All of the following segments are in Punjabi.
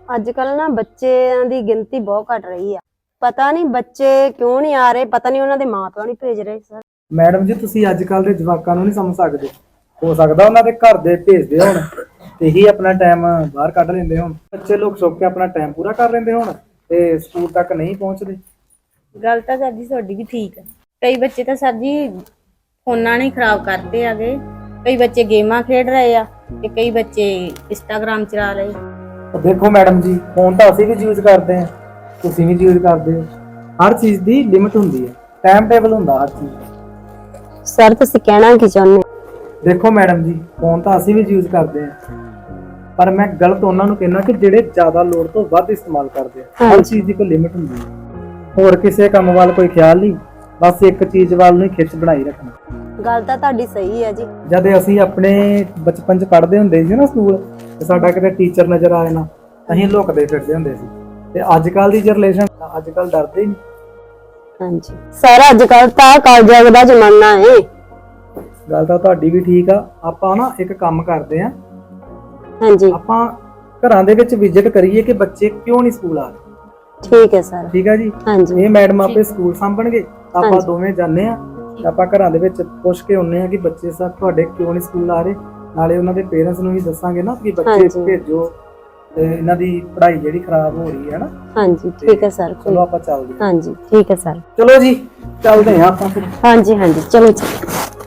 ਅੱਜ-ਕੱਲ ਨਾ ਬੱਚਿਆਂ ਦੀ ਗਿਣਤੀ ਬਹੁਤ ਘਟ ਰਹੀ ਆ। ਪਤਾ ਨਹੀਂ ਬੱਚੇ ਕਿਉਂ ਨਹੀਂ ਆ ਰਹੇ, ਪਤਾ ਨਹੀਂ ਉਹਨਾਂ ਦੇ ਮਾਪਿਆਂ ਨਹੀਂ ਭੇਜ ਰਹੇ ਸਰ। ਮੈਡਮ ਜੀ ਤੁਸੀਂ ਅੱਜ ਕੱਲ ਦੇ ਜਵਾਕਾਂ ਨੂੰ ਨਹੀਂ ਸਮਝ ਸਕਦੇ। ਹੋ ਸਕਦਾ ਉਹਨਾਂ ਦੇ ਘਰ ਦੇ ਭੇਜਦੇ ਹੋਣ ਤੇ ਹੀ ਆਪਣਾ ਟਾਈਮ ਬਾਹਰ ਕੱਢ ਲੈਂਦੇ ਹੋਣ। ਬੱਚੇ ਲੋਕ ਸੁੱਕ ਕੇ ਆਪਣਾ ਟਾਈਮ ਪੂਰਾ ਕਰ ਲੈਂਦੇ ਹੋਣ ਤੇ ਸਕੂਲ ਤੱਕ ਨਹੀਂ ਪਹੁੰਚਦੇ। ਗੱਲ ਤਾਂ ਸਰ ਜੀ ਤੁਹਾਡੀ ਵੀ ਠੀਕ ਹੈ। ਕਈ ਬੱਚੇ ਤਾਂ ਸਰ ਜੀ ਫੋਨਾਂ ਨੇ ਖਰਾਬ ਕਰਦੇ ਆਗੇ। ਕਈ ਬੱਚੇ ਗੇਮਾਂ ਖੇਡ ਰਹੇ ਆ ਤੇ ਕਈ ਬੱਚੇ ਇੰਸਟਾਗ੍ਰਾਮ ਚਲਾ ਰਹੇ। ਦੇਖੋ ਮੈਡਮ ਜੀ, ਫੋਨ ਤਾਂ ਅਸੀਂ ਵੀ ਯੂਜ਼ ਕਰਦੇ ਹਾਂ, ਤੁਸੀਂ ਵੀ ਯੂਜ਼ ਕਰਦੇ ਹੋ। ਹਰ ਚੀਜ਼ ਦੀ ਲਿਮਿਟ ਹੁੰਦੀ ਹੈ, ਟਾਈਮ ਟੇਬਲ ਹੁੰਦਾ ਹਰ ਚੀਜ਼। ਸਰ ਤੁਸੀਂ ਕਹਿਣਾ ਕੀ ਚਾਹੁੰਦੇ? ਦੇਖੋ ਮੈਡਮ ਜੀ, ਫੋਨ ਤਾਂ ਅਸੀਂ ਵੀ ਯੂਜ਼ ਕਰਦੇ ਹਾਂ, ਪਰ ਮੈਂ ਗਲਤ ਉਹਨਾਂ ਨੂੰ ਕਹਿਣਾ ਕਿ ਜਿਹੜੇ ਜ਼ਿਆਦਾ ਲੋੜ ਤੋਂ ਵੱਧ ਇਸਤੇਮਾਲ ਕਰਦੇ ਆ। ਹਰ ਚੀਜ਼ ਦੀ ਕੋਈ ਲਿਮਿਟ ਹੁੰਦੀ ਹੈ। ਹੋਰ ਕਿਸੇ ਕੰਮ ਵੱਲ ਕੋਈ ਖਿਆਲ ਨਹੀਂ, ਬਸ ਇੱਕ ਚੀਜ਼ ਵੱਲ ਨੂੰ ਖਿੱਚ ਬਣਾਈ ਰੱਖਣਾ। ਗੱਲ ਤਾਂ ਤੁਹਾਡੀ ਸਹੀ ਹੈ ਜੀ। ਜਦ ਅਸੀਂ ਆਪਣੇ ਬਚਪਨ 'ਚ ਪੜ੍ਹਦੇ ਹੁੰਦੇ ਸੀ ਨਾ ਸਕੂਲ, ਤੇ ਸਾਡਾ ਕਿਤੇ ਟੀਚਰ ਨਜ਼ਰ ਆ ਜਾਣਾ, ਅਸੀਂ ਲੁਕਦੇ ਫਿਰਦੇ ਹੁੰਦੇ ਸੀ। ਤੇ ਅੱਜ ਕੱਲ ਦੀ ਜਨਰੇਸ਼ਨ ਅੱਜ ਕੱਲ ਡਰਦੇ ਨਹੀਂ। ਹਾਂਜੀ ਸਰ, ਅੱਜ ਕੱਲ ਤਾਂ ਕਾਲਜ ਦਾ ਜ਼ਮਾਨਾ ਹੈ। ਗੱਲ ਤਾਂ ਤੁਹਾਡੀ ਵੀ ਠੀਕ ਆ। ਆਪਾਂ ਨਾ ਇੱਕ ਕੰਮ ਕਰਦੇ ਆ, ਹਾਂਜੀ ਆਪਾਂ ਘਰਾਂ ਦੇ ਵਿੱਚ ਵਿਜ਼ਿਟ ਕਰੀਏ ਕਿ ਬੱਚੇ ਕਿਉਂ ਨਹੀਂ ਸਕੂਲ ਆ ਰਹੇ। ਠੀਕ ਹੈ ਸਰ। ਠੀਕ ਆ ਜੀ। ਹਾਂਜੀ ਇਹ ਮੈਡਮ ਆਪੇ ਸਕੂਲ ਸਾਂਭਣਗੇ, ਆਪਾਂ ਦੋਵੇਂ ਜਾਂਦੇ ਆ ਤੇ ਆਪਾਂ ਘਰਾਂ ਦੇ ਵਿੱਚ ਪੁੱਛ ਕੇ ਆਉਂਦੇ ਆ ਕਿ ਬੱਚੇ ਸਰ ਤੁਹਾਡੇ ਕਿਉਂ ਨਹੀਂ ਸਕੂਲ ਆ ਰਹੇ। ਨਾਲੇ ਉਹਨਾਂ ਦੇ ਪੇਰੈਂਟਸ ਨੂੰ ਵੀ ਦੱਸਾਂਗੇ ਨਾ ਕਿ ਬੱਚੇ ਭੇਜੋ ਤੇ ਇਹਨਾਂ ਦੀ ਪੜ੍ਹਾਈ ਜਿਹੜੀ ਖਰਾਬ ਹੋ ਰਹੀ ਹੈ ਨਾ। ਹਾਂਜੀ ਠੀਕ ਹੈ ਸਰ। ਚਲੋ ਆਪਾਂ ਚੱਲਦੇ ਹਾਂ। ਹਾਂਜੀ ਠੀਕ ਹੈ ਸਰ। ਚਲੋ ਜੀ ਚੱਲਦੇ ਆ ਆਪਾਂ ਫਿਰ। ਹਾਂਜੀ ਹਾਂਜੀ ਚਲੋ ਜੀ।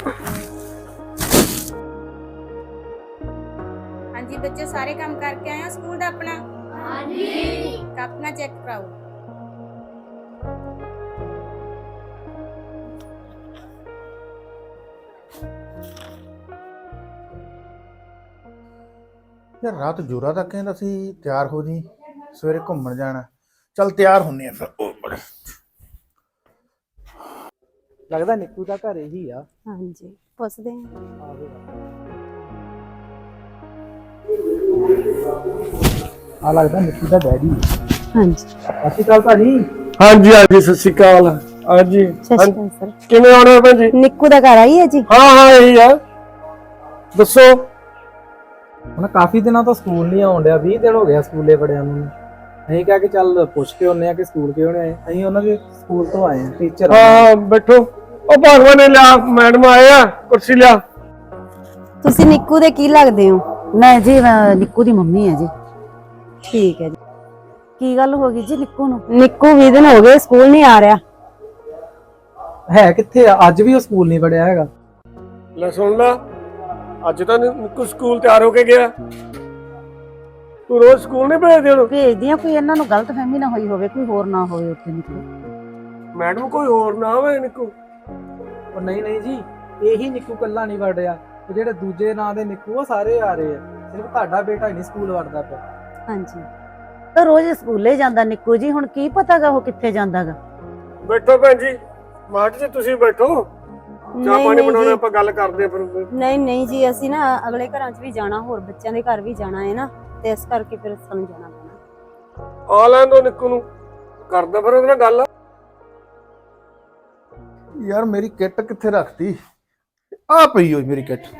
ਹਾਂਜੀ ਬੱਚੇ ਸਾਰੇ ਕੰਮ ਕਰਕੇ ਆਏ ਹੋ ਸਕੂਲ ਦਾ ਆਪਣਾ? ਹਾਂਜੀ। ਆਪਣਾ ਚੈੱਕ ਕਰਾਓ। ਯਾਰ ਰਾਤ ਜੋਰਾ ਤੱਕ ਕਹਿੰਦਾ ਸੀ ਤਿਆਰ ਹੋ ਜੀ, ਸਵੇਰੇ ਘੁੰਮਣ ਜਾਣਾ। ਚੱਲ ਤਿਆਰ ਹੁੰਨੇ ਆ ਫਿਰ। ਉਹ ਬੜੇ ਲੱਗਦਾ ਨਿੱਕੂ ਦਾ ਘਰ ਇਹੀ ਆ। ਹਾਂਜੀ ਪੁੱਛਦੇ ਹਾਂ। ਆ ਲੱਗਦਾ ਨਿੱਕੂ ਦਾ ਡੈਡੀ। ਹਾਂਜੀ ਸਤਿ ਸ਼੍ਰੀ ਅਕਾਲ ਭਾਜੀ। ਹਾਂਜੀ ਹਾਂਜੀ ਸਤਿ ਸ਼੍ਰੀ ਅਕਾਲ। ਹਾਂਜੀ ਸਤਿ ਸ਼੍ਰੀ ਅਕਾਲ ਸਰ। ਕਿਵੇਂ ਆਉਣੇ ਹੋ ਭੈਣ ਜੀ? ਨਿੱਕੂ ਦਾ ਘਰ ਆਈ ਹੈ ਜੀ? ਹਾਂ ਇਹੀ ਆ, ਦੱਸੋ। ਹੁਣ ਕਾਫੀ ਦਿਨਾਂ ਤੋਂ ਸਕੂਲ ਨਹੀਂ ਆਉਣ ਡਿਆ, 20 ਦਿਨ ਹੋ ਗਿਆ ਸਕੂਲੇ ਬੜਿਆਂ ਨੂੰ। ਅਸੀਂ ਕਿਹਾ ਕਿ ਚੱਲ ਪੁੱਛ ਕੇ ਆਉਂਦੇ ਆ ਕਿ ਸਕੂਲ ਕਿਉਂ ਨਹੀਂ ਆਏ। ਅਸੀਂ ਉਹਨਾਂ ਦੇ ਸਕੂਲ ਤੋਂ ਆਏ ਆ, ਟੀਚਰ। ਹਾਂ ਬੈਠੋ। ਉਹ ਭਗਵਾਨ ਨੇ ਲਿਆ, ਮੈਡਮ ਆਏ ਆ, ਕੁਰਸੀ ਲਿਆ। ਤੁਸੀਂ ਨਿੱਕੂ ਦੇ ਕੀ ਲੱਗਦੇ ਹੋ? ਮੈਂ ਜੀ ਨਿੱਕੂ ਦੀ ਮੰਮੀ ਹੈ ਜੀ। ਠੀਕ ਹੈ ਜੀ। ਕੀ ਗੱਲ ਹੋ ਗਈ ਜੀ ਨਿੱਕੂ ਨੂੰ? ਨਿੱਕੂ 20 ਦਿਨ ਹੋ ਗਏ ਸਕੂਲ ਨਹੀਂ ਆ ਰਿਹਾ। ਹੈ ਕਿੱਥੇ ਆ? ਅੱਜ ਵੀ ਉਹ ਸਕੂਲ ਨਹੀਂ ਵੜਿਆ ਹੈਗਾ। ਲੈ ਸੁਣ ਲਾ, ਅੱਜ ਤਾਂ ਨਿੱਕੂ ਸਕੂਲ ਤਿਆਰ ਹੋ ਕੇ ਗਿਆ। ਤੂੰ ਰੋਜ਼ ਸਕੂਲ ਨਹੀਂ ਭੇਜਦੇ ਉਹਨੂੰ? ਭੇਜਦੀ ਆ, ਕੋਈ ਇਹਨਾਂ ਨੂੰ ਗਲਤਫਹਿਮੀ ਨਾ ਹੋਈ ਹੋਵੇ, ਕੋਈ ਹੋਰ ਨਾ ਹੋਵੇ ਉੱਥੇ ਨਿੱਕੂ। ਮੈਡਮ ਕੋਈ ਹੋਰ ਨਾ ਹੋਵੇ ਨਿੱਕੂ। ਉਹ ਨਹੀਂ ਨਹੀਂ ਜੀ, ਇਹੀ ਨਿੱਕੂ ਕੱਲਾ ਨਹੀਂ ਵੜਿਆ, ਤੇ ਜਿਹੜੇ ਦੂਜੇ ਨਾਂ ਦੇ ਨਿੱਕੂ ਉਹ ਸਾਰੇ ਆ ਰਹੇ ਆ। ਸਿਰਫ ਤੁਹਾਡਾ ਬੇਟਾ ਹੀ ਨਹੀਂ ਸਕੂਲ ਵੜਦਾ ਪਿਆ। ਹਾਂਜੀ ਤਾਂ ਰੋਜ਼ ਸਕੂਲੇ ਜਾਂਦਾ ਨਿੱਕੂ ਜੀ, ਹੁਣ ਕੀ ਪਤਾਗਾ ਉਹ ਕਿੱਥੇ ਜਾਂਦਾਗਾ। ਬੈਠੋ ਭੈਣ ਜੀ, ਮਾਟ ਜੀ ਤੁਸੀਂ ਬੈਠੋ, ਚਾਹ ਪਾਣੀ ਬਣਾਉਣਾ, ਆਪਾਂ ਗੱਲ ਕਰਦੇ ਫਿਰ। ਨਹੀਂ ਨਹੀਂ ਜੀ, ਅਸੀਂ ਨਾ ਅਗਲੇ ਘਰਾਂ 'ਚ ਵੀ ਜਾਣਾ, ਹੋਰ ਬੱਚਿਆਂ ਦੇ ਘਰ ਵੀ ਜਾਣਾ ਹੈ ਨਾ, ਤੇ ਇਸ ਕਰਕੇ ਫਿਰ ਸਾਨੂੰ ਜਾਣਾ ਪੈਣਾ। ਆ ਲੈਣ ਦੋ ਨਿੱਕੂ ਨੂੰ, ਕਰਦਾ ਫਿਰ ਉਹਦੇ ਨਾਲ ਗੱਲ। ਯਾਰ ਮੇਰੀ ਕਿੱਟ ਕਿੱਥੇ ਰੱਖਤੀ? ਆ ਪਈ ਹੋਈ ਮੇਰੀ ਕਿੱਟ।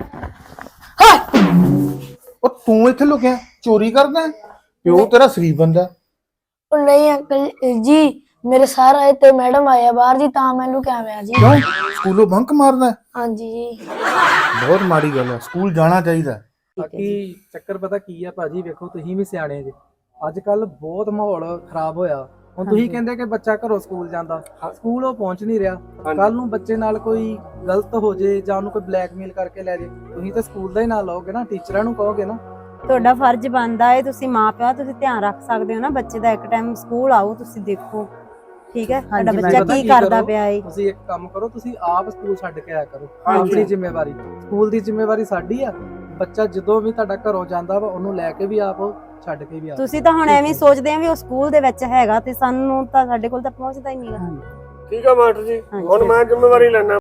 ਉਹ ਤੂੰ ਇੱਥੇ ਲੁਕਿਆ ਚੋਰੀ ਕਰਦਾ? ਪਿਓ ਤੇਰਾ ਸ਼ਰੀਫ ਬੰਦਾ। ਉਹ ਨਹੀਂ ਅੰਕਲ ਜੀ, ਮੇਰੇ ਸਰ ਆਏ ਤੇ ਮੈਡਮ ਆਏ ਆ ਬਾਹਰ ਜੀ, ਤਾਂ ਮੈਂ ਲੁਕਿਆ ਹੋਇਆ ਜੀ। ਕਿਉਂ ਸਕੂਲੋਂ ਬੰਕ ਮਾਰਦਾ? ਹਾਂਜੀ ਜੀ। ਬਹੁਤ ਮਾੜੀ ਗੱਲ ਹੈ, ਸਕੂਲ ਜਾਣਾ ਚਾਹੀਦਾ। ਬਾਕੀ ਚੱਕਰ ਪਤਾ ਕੀ ਆ ਭਾਜੀ, ਵੇਖੋ ਤੁਸੀਂ ਵੀ ਸਿਆਣੇ ਜੀ। ਅੱਜ ਕੱਲ ਬਹੁਤ ਮਾਹੌਲ ਖਰਾਬ ਹੋਇਆ। ਹੁਣ ਤੁਸੀਂ ਕਹਿੰਦੇ ਕਿ ਬੱਚਾ ਘਰੋਂ ਸਕੂਲ ਜਾਂਦਾ, ਸਕੂਲ ਉਹ ਪਹੁੰਚ ਨਹੀਂ ਰਿਹਾ। ਕੱਲ ਨੂੰ ਬੱਚੇ ਨਾਲ ਕੋਈ ਗਲਤ ਹੋ ਜੇ ਜਾਂ ਉਹਨੂੰ ਕੋਈ ਬਲੈਕਮੇਲ ਕਰਕੇ ਲੈ ਜੇ, ਤੁਸੀਂ ਤਾਂ ਸਕੂਲ ਦਾ ਹੀ ਨਾਂ ਲਓਗੇ ਨਾ, ਟੀਚਰਾਂ ਨੂੰ ਕਹੋਗੇ ਨਾ। ਤੁਹਾਡਾ ਫਰਜ਼ ਬਣਦਾ ਹੈ, ਤੁਸੀਂ ਮਾਪਿਆਂ ਤੁਸੀਂ ਧਿਆਨ ਰੱਖ ਸਕਦੇ ਹੋ ਨਾ ਬੱਚੇ ਦਾ। ਇੱਕ ਟਾਈਮ ਸਕੂਲ ਆਓ, ਤੁਸੀਂ ਦੇਖੋ ਠੀਕ ਹੈ ਤੁਹਾਡਾ ਬੱਚਾ ਕੀ ਕਰਦਾ ਪਿਆ ਹੈ। ਤੁਸੀਂ ਇੱਕ ਕੰਮ ਕਰੋ, ਤੁਸੀਂ ਆਪ ਸਕੂਲ ਛੱਡ ਕੇ ਆਇਆ ਕਰੋ। ਆਪਣੀ ਜ਼ਿੰਮੇਵਾਰੀ, ਸਕੂਲ ਦੀ ਜ਼ਿੰਮੇਵਾਰੀ ਸਾਡੀ ਆ। ਬੱਚਾ ਜਦੋਂ ਵੀ ਤੁਹਾਡਾ ਘਰੋਂ ਜਾਂਦਾ ਵਾ, ਉਹਨੂੰ ਲੈ ਕੇ ਵੀ ਆਪ ਛੱਡ ਕੇ ਵੀ ਆਪ। ਤੁਸੀਂ ਤਾਂ ਹੁਣ ਐਵੇਂ ਸੋਚਦੇ ਆ ਵੀ ਉਹ ਸਕੂਲ ਦੇ ਵਿੱਚ ਹੈਗਾ, ਤੇ ਸਾਨੂੰ ਤਾਂ ਸਾਡੇ ਕੋਲ ਤਾਂ ਪਹੁੰਚਦਾ ਹੀ ਨਹੀਂ। ਠੀਕ ਆ ਮਾਸਟਰ ਜੀ, ਹੁਣ ਮੈਂ ਜ਼ਿੰਮੇਵਾਰੀ ਲੈਣਾ।